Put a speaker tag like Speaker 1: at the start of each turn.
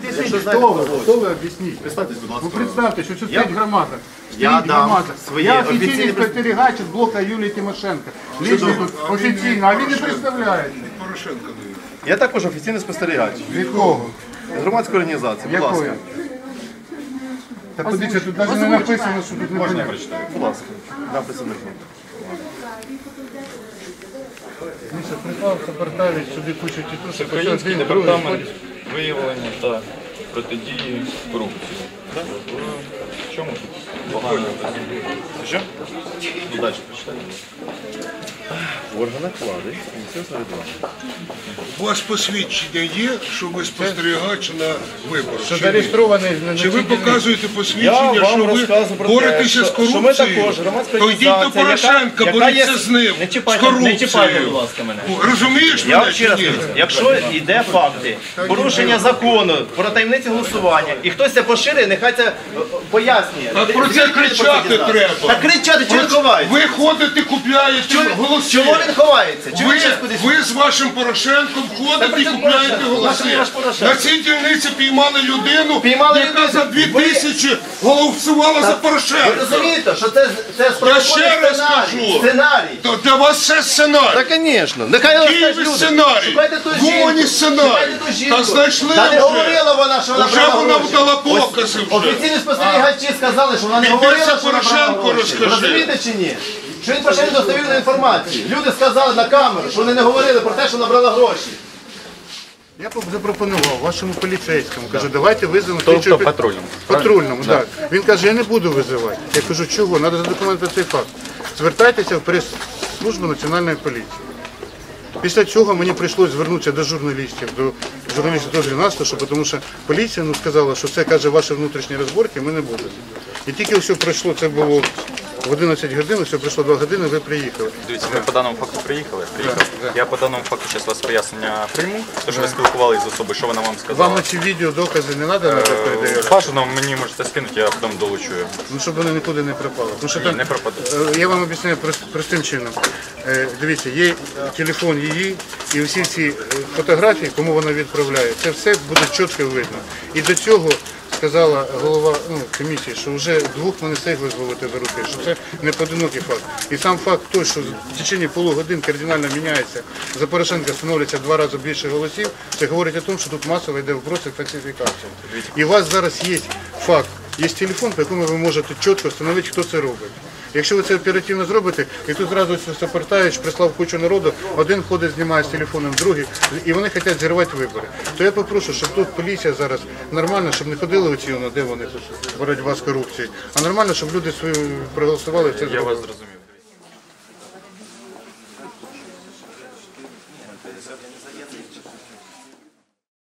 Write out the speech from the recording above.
Speaker 1: об'ясніть, хто ви об'ясніть.
Speaker 2: Представтесь, будь ласка.
Speaker 1: Ви представте, що це стоїть громада.
Speaker 2: Я дам свої
Speaker 1: Я офіційний
Speaker 2: офіційні
Speaker 1: спостерігач з блока Юлії Тимошенко. Лично тут офіційно, а він не представляє.
Speaker 2: Я також офіційний спостерігач.
Speaker 1: Від кого?
Speaker 2: З громадської організації, будь ласка.
Speaker 1: Якої? Та подивіться, тут навіть не написано, що тут не
Speaker 2: Можна я
Speaker 1: понятно.
Speaker 2: прочитаю? Будь ласка. Написано.
Speaker 1: Міша, приклав Сапартавич, сюди кучу тітушок.
Speaker 3: Український департамент виявлення та протидії корупції. В чому тут погано?
Speaker 2: Що? Ну, далі прочитаю. В органах влади місцевого самоврядування.
Speaker 4: У вас посвідчення є, що ви спостерігач на виборах?
Speaker 1: Що
Speaker 4: Чи ні?
Speaker 1: зареєстрований на
Speaker 4: Чи ви
Speaker 1: цій
Speaker 4: показуєте
Speaker 2: Я
Speaker 4: посвідчення,
Speaker 2: вам
Speaker 4: що ви
Speaker 2: розказую про те,
Speaker 4: боретеся з
Speaker 2: що ми
Speaker 4: корупцією?
Speaker 2: також громадська
Speaker 4: То йдіть до
Speaker 2: організація,
Speaker 4: Порошенка,
Speaker 2: яка
Speaker 4: боріться
Speaker 2: є-
Speaker 4: з ним,
Speaker 3: Не
Speaker 4: з
Speaker 3: чіпайте, будь
Speaker 4: корупцією.
Speaker 3: ласка, мене.
Speaker 4: Розумієш
Speaker 2: Я
Speaker 4: мене
Speaker 2: вам ще
Speaker 4: чи
Speaker 2: раз
Speaker 4: ні?
Speaker 2: кажу, якщо йде факти порушення закону про таємниці голосування, і хтось це поширює, нехай це пояснює.
Speaker 4: А про це кричати треба.
Speaker 2: Та кричати, чого він ховається?
Speaker 4: Ви ходите, купляєте голоси.
Speaker 2: Чому він ховається? Чому він щас кудись?
Speaker 4: Ви з вашим Порошенком
Speaker 2: Та
Speaker 4: ходите
Speaker 2: при
Speaker 4: і
Speaker 2: чому
Speaker 4: купляєте
Speaker 2: Порошенко?
Speaker 4: голоси.
Speaker 2: Наш Порошенко.
Speaker 4: На цій дільниці піймали людину,
Speaker 2: Піймали
Speaker 4: яка
Speaker 2: людину.
Speaker 4: за 2000 голосувала за
Speaker 2: Ви
Speaker 4: Порошенка.
Speaker 2: розумієте, що це
Speaker 4: Я
Speaker 2: справедливий
Speaker 4: ще раз
Speaker 2: сценарій?
Speaker 4: кажу.
Speaker 2: Сценарій.
Speaker 4: То для вас це сценарій.
Speaker 2: Та, звісно. Нехай розкажуть
Speaker 4: Києві
Speaker 2: люди.
Speaker 4: сценарій.
Speaker 2: Шукайте ту
Speaker 4: Вумані
Speaker 2: жінку.
Speaker 4: сценарій.
Speaker 2: Шукайте ту жінку.
Speaker 4: Та знайшли
Speaker 2: Та не
Speaker 4: вже.
Speaker 2: говорила вона, що вона
Speaker 4: Вже
Speaker 2: брала
Speaker 4: вона
Speaker 2: гроші.
Speaker 4: вдала покази вже.
Speaker 2: Офіційні спостерігачі сказали, що вона не
Speaker 4: Піди
Speaker 2: говорила,
Speaker 4: це
Speaker 2: що вона брала
Speaker 4: Порошенку
Speaker 2: гроші.
Speaker 4: розкажи.
Speaker 2: Розумієте чи ні? Що він поширює достовірну інформацію. Люди сказали на камеру, що вони не говорили про те, що вона брала гроші.
Speaker 1: Я б запропонував вашому поліцейському. Кажу, давайте визовемо
Speaker 3: Тобто
Speaker 1: слідчого
Speaker 3: патрульному.
Speaker 1: Патрульному, так. Він каже, я не буду визивати. Я кажу, чого? Треба задокументувати цей факт. Звертайтеся в прес-службу Національної поліції. Після цього мені прийшлося звернутися до журналістів, до журналістів теж нас, тому що поліція сказала, що це, каже, ваші внутрішні розборки, ми не будемо. І тільки все пройшло, це було в 11 годин, все пройшло 2 години, ви приїхали.
Speaker 3: Дивіться, ми по даному факту приїхали. Я по даному факту зараз вас пояснення прийму, тому що ви спілкувалися з особою, що вона вам
Speaker 1: Вам
Speaker 3: сказала.
Speaker 1: на ці відео докази не треба передавати?
Speaker 3: Бажано мені можете скинути, я потім долучу.
Speaker 1: Ну, щоб вони нікуди не пропали. Тому що
Speaker 3: Ні,
Speaker 1: там,
Speaker 3: не пропадуть.
Speaker 1: Я вам об'ясняю простим чином. Дивіться, є телефон її і всі ці фотографії, кому вона відправляє, це все буде чітко видно. І до цього сказала голова комісії, що вже 2 ми не встигли зловити до руки, що це не поодинокий факт. І сам факт той, що в течение полугодин кардинально міняється, за Порошенка становиться 2 рази більше голосів, це говорить о тому, що тут масово йде вброс і фальсифікація. І у вас зараз є факт, є телефон, по якому ви можете чітко встановити, хто це робить. Якщо ви це оперативно зробите, і тут зразу Сапартавич прислав кучу народу, один ходить, знімає з телефоном, другий, і вони хочуть зірвати вибори. То я попрошу, щоб тут поліція зараз нормально, щоб не ходили оці, де вони тут боротьба з корупцією, а нормально, щоб люди свої проголосували.
Speaker 3: Я вас зрозумів.